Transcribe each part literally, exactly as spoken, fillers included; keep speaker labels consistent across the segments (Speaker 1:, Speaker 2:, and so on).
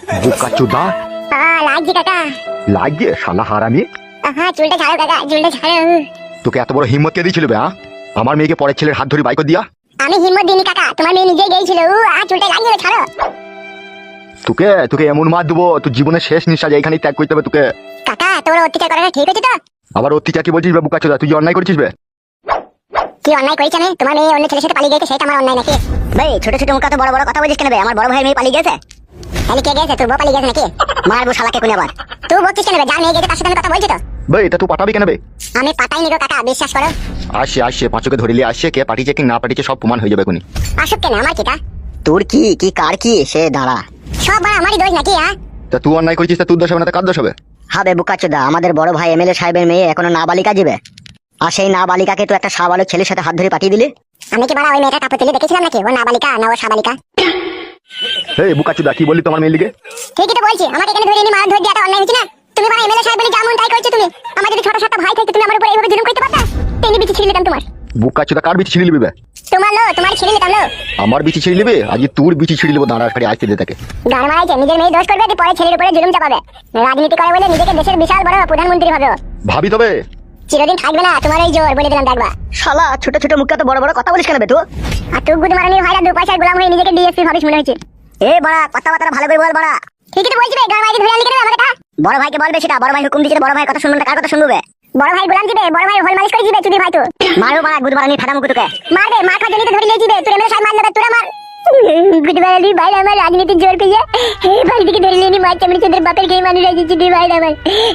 Speaker 1: বোকা চোদা
Speaker 2: হ্যাঁ লাগছে কাকা।
Speaker 1: লাগিয়ে শালা হারামি।
Speaker 2: হ্যাঁ চুলটা ছাড়ো কাকা, চুলটা ছাড়ো।
Speaker 1: তোকে এত বড় হিম্মত কে দিয়েছিল বে? হ্যাঁ আমার মেয়েকে পরের ছেলের হাত ধরে বাইক দিয়া।
Speaker 2: আমি হিম্মত দিইনি কাকা, তোমার মেয়ে নিজে গিয়েছিল। ও আর চুলটা লাগিয়ে ছাড়ো।
Speaker 1: তোকে তোকে এমন মার দেবো তোর জীবনের শেষ নিঃশ্বাস এইখানেই ত্যাগ করতে হবে তোকে।
Speaker 2: কাকা তোমার অত্যাচার করাটা ঠিক হচ্ছে তো?
Speaker 1: আবার অত্যাচার কি বলছিস বে বোকা চোদা? তুই যে অন্যায় করেছিস বে।
Speaker 2: কি অন্যায় করেছি আমি? তোমার মেয়ে অন্য ছেলের সাথে পালিয়ে গেছে, সেটা আমার অন্যায় নাকি? ভাই ছোট ছোট মুখ তো বড় বড় কথা বলিস কেন বে? আমার বড় ভাইয়ের মেয়ে পালিয়ে গেছে। তাহলে কে গেছে? তুই বউ পালিয়ে গেছে নাকি? মারবো শালাকে কোন আবার। তুই বলছিস কেন বে? যার মেয়ে গেছে তার সাথে আমি কথা বলছি তো।
Speaker 1: বে এটা তুই পাঠাবি কেন বে?
Speaker 2: আমি পাঠাইনি গো কাকা, বিশ্বাস করো।
Speaker 1: আসে আসে পাঁচকে ধরিলি আসছে, কে পাঠিয়েছে কি না পাঠিয়েছে সব প্রমাণ হয়ে যাবে এখনই।
Speaker 2: আসুক কেন, আমার কি কা?
Speaker 3: তোর কি কি কার কি সে দাঁড়া।
Speaker 2: সব বড় আমারই দোষ নাকি? হ্যাঁ
Speaker 1: তা তুই অন্যায় করেছিস তা তোর দোষ হবে না, তা কার দোষ হবে?
Speaker 3: হবে বুকাচোদা, আমাদের বড় ভাই এমএলএ সাহেবের মেয়ে এখনো নাবালিকা যাবে, আর সেই নাবালিকাকে তো একটা সাবালক ছেলের সাথে হাত ধরে পাঠিয়ে দিলি।
Speaker 2: আমি কি বড় ওই মেয়েটা কাপড় তুলে দেখেছিলাম নাকি? ও নাবালিকা না ও সাবালিকা?
Speaker 1: এই বোকা চোদা কি বললি তোমার মেয়ের লিগে?
Speaker 2: ঠিকই তো বলছি, আমাকে এখানে ধরে এনে মার ধরে দেওয়াটা অন্যায় হচ্ছে না? তুমি বড় এমএলএ সাহেব বলে যেমন তাই করছো তুমি। আমার যদি ছোট ছোট ভাই থাকতো তুমি আমার উপর এইভাবে জুলুম করতে পারতা? তেনি বিচি ছিঁড়ে নিতাম তোমার।
Speaker 1: বোকা চোদা কার বিচি ছিঁড়ে নিবি বে?
Speaker 2: তোমার লো, তোমার ছিঁড়ে নিতাম লো।
Speaker 1: আমার বিচি ছিঁড়ে নিবি? আজ তোর বিচি ছিঁড়ে নিবো, দাঁড়া খাড়ি আসতে দে তাকে।
Speaker 2: গান মারাইছে, নিজের মেয়ে দোষ করবে, পরে ছেলের উপরে জুলুম চাপাবে। রাজনীতি করে বলে নিজেকে দেশের বিশাল বড় প্রধানমন্ত্রী ভাবে।
Speaker 1: ভাবি তবে
Speaker 2: চিরদিন থাকবে না তোমার এই জোর, বলে দিলাম দেখবা।
Speaker 3: শালা ছোট ছোট মুখে তো বড় বড় কথা বলিস কেন বে তুই?
Speaker 2: আর তুই গুদ মারানির ভাইরা দু পয়সার গোলাম হয়ে নিজেকে ডিএসপি ভাবিস মনে হচ্ছে।
Speaker 3: এ বড়া কথাবার্তা ভালো করে বল বড়া।
Speaker 2: ঠিকই তো বলছি বে, গান মারাইতে ধরে আনলি কেন আমাকে?
Speaker 3: বড় ভাইকে বলবে সেটা, বড় ভাই হুকুম দিচ্ছে, বড় ভাই কথা শুনবে না, কার কথা শুনবে বে?
Speaker 2: বড় ভাই গোলাম দিবে, বড় ভাই হোল মালিশ করে দিবে, চুদি ভাই তো।
Speaker 3: মারো বড়া গুদ মারানি ফাটা মুখ তোকে।
Speaker 2: মারবে, মার খাওয়ার জন্য তো ধরে নিয়ে যাবে। তোর এমএলএ সাহেব মারলে তোরা মার। গুড মারানি ভাই আমার রাজনীতির জোর পেয়ে এই বাড়ি থেকে ধরে নিয়ে মার চামড়ি চোদের বাপের খেয়ে মানুষ আছে চুদি ভাই আমার।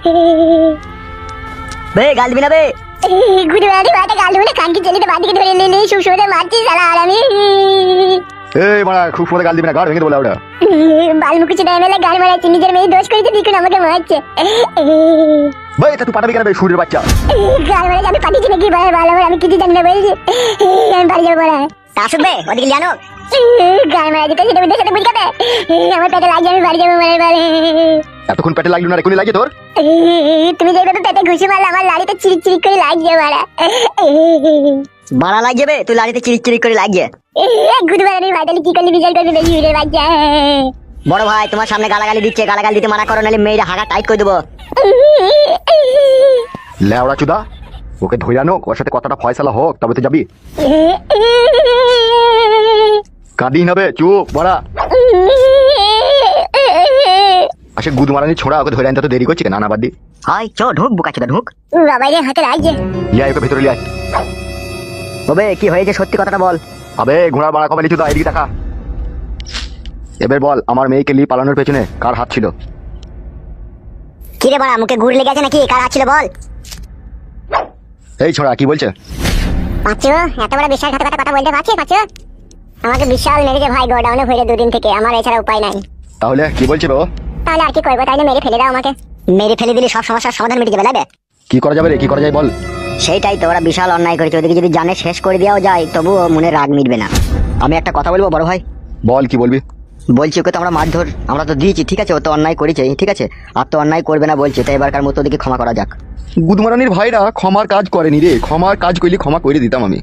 Speaker 3: বে গাল দিবি না বে?
Speaker 2: গুড মারানি ভাইটা গাল ধরে কানকি চলিতে বাড়ি থেকে ধরে নিয়ে নিয়ে সুসুরে মারছি শালা। আর আমি
Speaker 1: এই মারা খুব সময় গাল দিবি না, গাড় ভেঙে দেবো ওটা।
Speaker 2: বালমুখী চোদা এমএলএ গাল মারাচ্ছে, নিজের মেয়ে দোষ করেছে দেখুন আমাকে মারছে।
Speaker 1: ভাই এটা তুই পাঠাবি কেন বে সুরের বাচ্চা?
Speaker 2: গাল মারাচ্ছে, আমি পাঠিয়েছি নাকি বড় ভালো? আমি কিছু জানি না বলছি। আমি বাড়ি যাবো বড়।
Speaker 3: তা শুনবে ওদিকে জানো
Speaker 2: গাল মারাচ্ছে তো সেটা বুঝতে সাথে বুঝকাবে। আমার পেটে লাগছে, আমি বাড়ি যাবো মারের বারে।
Speaker 1: এতক্ষণ পেটে লাগলো না, এখনই লাগে তোর?
Speaker 2: তুমি যেভাবে পেটে ঘুষি মারলে আমার লাড়িতে চিরিক চিরিক করে লাগছে বাড়া।
Speaker 3: বাড়া লাগছে বে, তুই লাড়িতে চিরিক চিরিক করে লাগছে।
Speaker 2: গুড মারানি ভাইটালি কি করলি বিচার করবি বেশি উড়ে বাচ্চা।
Speaker 3: বড় ভাই তোমার সামনে গালাগালি দিচ্ছে, গালাগালি দিতে মানা করো, নাহলে মেয়েরা হাগা টাইট করে দেবো।
Speaker 1: লেওড়া চুদা ওকে ধরে আনো, ওর সাথে কথাটা ফয়সালা হোক তবে তো যাবি। কাঁদি হবে চুপ বড়া। আসে গুদ মারানি ছোড়া, ওকে ধরে আনতে তো দেরি করছি কেন? না বাদ দি।
Speaker 3: হাই চ ঢুক বুকাচোদা ঢুক।
Speaker 2: বাবাই রে হাতে লাগছে।
Speaker 1: লিয়া ওকে ভেতরে লিয়া।
Speaker 3: তবে কি হয়েছে সত্যি কথাটা বল।
Speaker 1: আবে ঘোড়া বাড়া কবে লিচু দা, এদিকে দেখা। এবার বল আমার মেয়েকে লি পালানোর পেছনে কার হাত ছিল?
Speaker 2: কি রে বাড়া, মুখে ঘুর লেগে আছে নাকি? কার আছিল বল?
Speaker 1: এই ছোড়া কি বলছে?
Speaker 2: পাঁচু এত বড় বিশ্বাসঘাতকতা কথা বলতে পারছিস পাঁচু? আমাকে বিশাল মেরেছে ভাই, গোডাউনে ভরে দুদিন থেকে, আমার এছাড়া উপায় নাই।
Speaker 1: তাহলে কি বলছে বে ও?
Speaker 2: তাহলে আর কি করবো, তাইলে মেরে ফেলে দাও আমাকে।
Speaker 3: মেরে ফেলে দিলে সব সমস্যার সমাধান মিটে যাবে লাগে।
Speaker 1: কি করা যাবে রে, কি করা যায় বল?
Speaker 3: সেইটাই তো, ওরা বিশাল অন্যায় করেছে, ওদিকে যদি জানে শেষ করে দেওয়া যায় তবুও মনে রাগ মিটবে না। আমি একটা কথা বলবো বড় ভাই।
Speaker 1: বল কি বলবি?
Speaker 3: বলছি ওকে তো আমরা মারধর আমরা তো দিয়েছি, ঠিক আছে, ও তো অন্যায় করেছে, ঠিক আছে, আর তো অন্যায় করবে না বলছে, তাই এবারকার মতো ওদিকে ক্ষমা করা যাক।
Speaker 1: গুদমারানির ভাইরা ক্ষমার কাজ করেনি রে, ক্ষমার কাজ করলে ক্ষমা করে দিতাম আমি।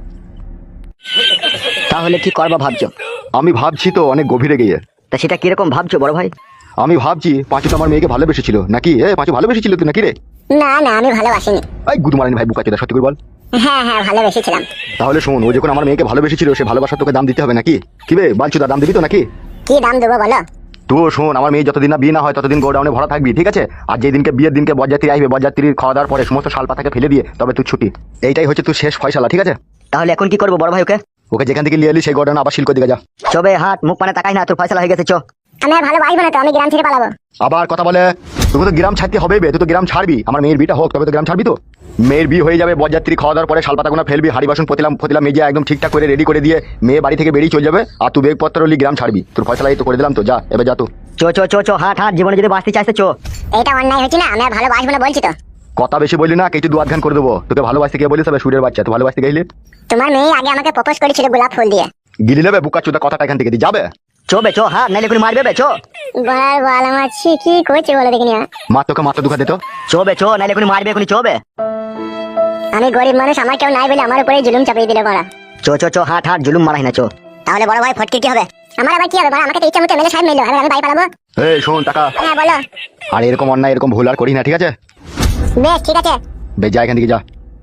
Speaker 3: তাহলে কি করবা ভাবছো?
Speaker 1: আমি ভাবছি তো অনেক গভীরে গিয়ে।
Speaker 3: তা সেটা কিরকম ভাবছো বড় ভাই?
Speaker 1: আমি ভাবছি পাঁচু তো আমার মেয়েকে ভালোবেসেছিল নাকি? এ পাঁচু ভালোবেসেছিল তুই নাকি রে?
Speaker 2: না না আমি ভালোবাসিনি।
Speaker 1: এই গুদমারানি ভাই বুকা চোদা সত্যি করে বল।
Speaker 2: হ্যাঁ হ্যাঁ ভালোবেসেছিলাম।
Speaker 1: তাহলে শোন, ও যখন আমার মেয়েকে ভালোবেসেছিল সে ভালোবাসা তোকে দাম দিতে হবে নাকি? কি বে বালচুদা, দাম দিবি তো নাকি?
Speaker 2: কি দাম দেবো বলো?
Speaker 1: তো শোন, আমার মেয়ে যতদিন না বিয়ে না হয় ততদিন গোডাউনে ভরা থাকবি, ঠিক আছে? আর যেদিনকে বিয়ের দিনকে বরযাত্রী আসবে, বরযাত্রীর খাওয়া দাওয়ার পরে সমস্ত শাল পাতাকে ফেলে দিয়ে তবে তুই ছুটি। এইটাই হচ্ছে তুই শেষ ফয়সালা, ঠিক আছে?
Speaker 3: তাহলে এখন কি করবো বড় ভাই? ওকে
Speaker 1: ওকে যেখান থেকে লিয়ে এলি সেই গোডাউনে আবার শিল্ক দিকে যা।
Speaker 3: চবে হাট মুখ পানে তাকাই না, তোর ফয়সালা হয়ে গেছে, চো।
Speaker 2: আমি আর ভালোবাসবো না তো, আমি গ্রাম ছেড়ে পালাবো।
Speaker 1: আবার কথা বলে তোকে তো গ্রাম ছাড়তে হবে বে, তুই তো গ্রাম ছাড়বি। আমার মেয়ের বিয়েটা হোক তবে তো গ্রাম ছাড়বি। তো মেয়ের বিয়ে হয়ে যাবে, বরযাত্রী খাওয়া দাওয়ার পরে শালপাতাগুলো ফেলবি, হাড়ি বাসন পতিলাম পতিলাম মেজে একদম ঠিকঠাক করে রেডি করে দিয়ে মেয়ে বাড়ি থেকে বেরিয়ে চলে যাবে, আর তুই বেগপত্র লি গ্রাম ছাড়বি। তোর ফয়সালা এই তো করে দিলাম, তো যা এবার যা। তো
Speaker 3: চো চো চো চো হাট হাট, জীবনে যদি বাঁচতে চাইছে চো।
Speaker 2: এটা অন্যায় হচ্ছে না? আমি আর ভালোবাসবো না বলছি তো।
Speaker 1: কথা বেশি বললি না, কিছু দু আধখান করে দেবো। তোকে ভালোবাসতে গিয়ে বলিস হবে সুরের বাচ্চা, তুই ভালোবাসতে গেলি?
Speaker 2: তোমার মেয়ে আগে আমাকে প্রপোজ করেছিল গোলাপ ফুল দিয়ে।
Speaker 1: গিলি নেবে বুকা চোদা, কথাটা এখান থেকে দিয়ে যাবে।
Speaker 3: চোবে চো হাট, নাইলে কোনো মারবে বে, চো।
Speaker 2: বলার বল আমার কি করছে বলো দেখিনি।
Speaker 1: মা তোকে মাথা দুখা দিত।
Speaker 3: চোবে চো, নাইলে কোনো মারবে, কোনো চোবে।
Speaker 2: আমি গরিব মানুষ, আমার কেউ নাই বলে আমার উপরে জুলুম চাপিয়ে দিলে বড়া।
Speaker 3: চো চো চো হাট হাট, জুলুম মারাই না, চো।
Speaker 2: তাহলে বড় ভাই ফটকে কি হবে? আমার আবার কি হবে বড়? আমাকে তো ইচ্ছা মতো এমএলএ সাহেব মিললো, আমি বাড়ি পালাবো?
Speaker 1: এই শোন টাকা,
Speaker 2: হ্যাঁ বলো।
Speaker 1: আর এরকম অন্যায় এরকম ভুল আর করি না, ঠিক আছে?
Speaker 2: বেশ ঠিক আছে।
Speaker 1: বেশ যা এখান থেকে যা।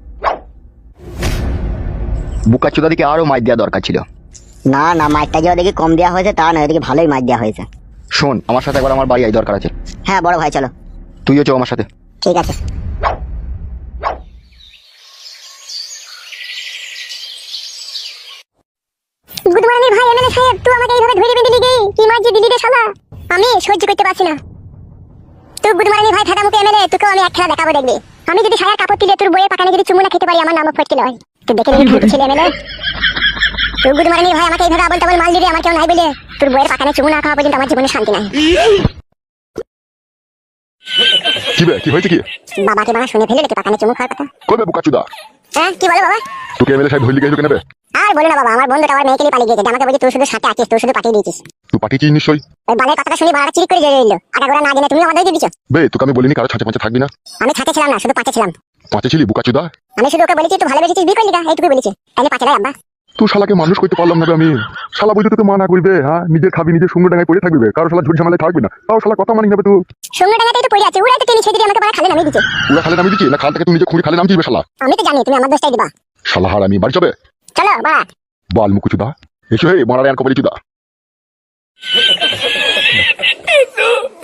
Speaker 1: বুকা চোদা দিকে আরো মাইর দেওয়া দরকার ছিল।
Speaker 3: না না, মাইকটা যে ওদিকে কম দেওয়া হয়েছে তা নয়, ওদিকে ভালোই মাইক দেওয়া হয়েছে।
Speaker 1: শোন আমার সাথে একবার আমার বাড়ি আই, দরকার আছে।
Speaker 3: হ্যাঁ বড় ভাই চলো।
Speaker 1: তুইও চো আমার সাথে।
Speaker 2: ঠিক আছে। গুড মর্নিং ভাই এমএলএ সাহেব, তুই আমাকে এইভাবে ধরে বেঁধে দিলি কি মারজি দিলি রে শালা, আমি সহ্য করতে পারছি না। তুই গুড মর্নিং ভাই ফাটা মুখে এমএলএ, তোকে আমি এক খেলা দেখাবো দেখবি। আমি যদি সারা কাপড় তুলে তোর বইয়ের পাকানে যদি চুমু না খেতে পারি, আমার নামও ফটকে লয়। তুই দেখে নিবি ফুটে ছেলে এমএলএ। তুই গুড মর্নিং ভাই আমাকে এইভাবে আবল তাবল মাল দিবি, আমার কেউ নাই বলে তোর বইয়ের পাকানে চুমু না খাওয়া পর্যন্ত আমার জীবনে শান্তি নাই।
Speaker 1: কি বে, কি হয়েছে কি?
Speaker 2: বাবাকে বাবা শুনে ফেলে রেখে পাকানে চুমু খাওয়ার কথা।
Speaker 1: কবে বুকা চোদা?
Speaker 2: হ্যাঁ কি বলো বাবা?
Speaker 1: তোকে এমএলএ সাহেব ধরলি গেছো কেন বে?
Speaker 2: আর বলো না বাবা, আমার বন্ধুটা আমার মেয়েকে নিয়ে পালিয়ে গেছে, আমাকে বলছে তুই শুধু সাথে আছিস, তুই শুধু পাঠিয়ে দিয়েছিস।
Speaker 1: তুই পাঠিয়েছিস নিশ্চয়ই।
Speaker 2: ওই বালের কথাটা শুনে বাড়া চিরিক করে জেগে এলো, আগে গোড়া না জেনে তুমি আমাদের দিয়ে দিছো।
Speaker 1: বে তোকে আমি বলিনি কারো ছাঁচে পাঁচে থাকবি না?
Speaker 2: আমি ছাতে ছিলাম না, শুধু পাঁচে ছিলাম।
Speaker 1: পাঁচে ছিলি বুকা চোদা?
Speaker 2: আমি শুধু ওকে বলেছি তুই ভালোবেসেছিস বিয়ে করলি না, এইটুকু বলেছি। তাহলে পাঁচে আব্বা।
Speaker 1: তুই শালাকে মানুষ করতে পারলাম না বে আমি। শালা বুঝতে তোকে মানা করবে, হ্যাঁ নিজের খাবি নিজের সঙ্গে ডাঙায় পড়ে থাকবি বে, কারো শালা ঝুট ঝামেলায় থাকবি না, তাও শালা কথা মানি যাবে তুই।
Speaker 2: সঙ্গে ডাঙাতেই তো পড়ে আছে, ওরাই তো টেনে ছেড়ে দিয়ে আমাকে বাড়া খালে নামিয়ে দিচ্ছে।
Speaker 1: পুরা খালে নামিয়ে দিচ্ছি না, খাল থেকে তুই নিজে খুঁড়ি খালে নামছিস বে শালা?
Speaker 2: আমি তো জানি তুমি আমার দোষটাই দিবা।
Speaker 1: শালা হার আমি বাড়ি যাবে।
Speaker 2: চলো বাড়া।
Speaker 1: বাল মুকু চুদা এসো হে মারা আর কবলি চুদা।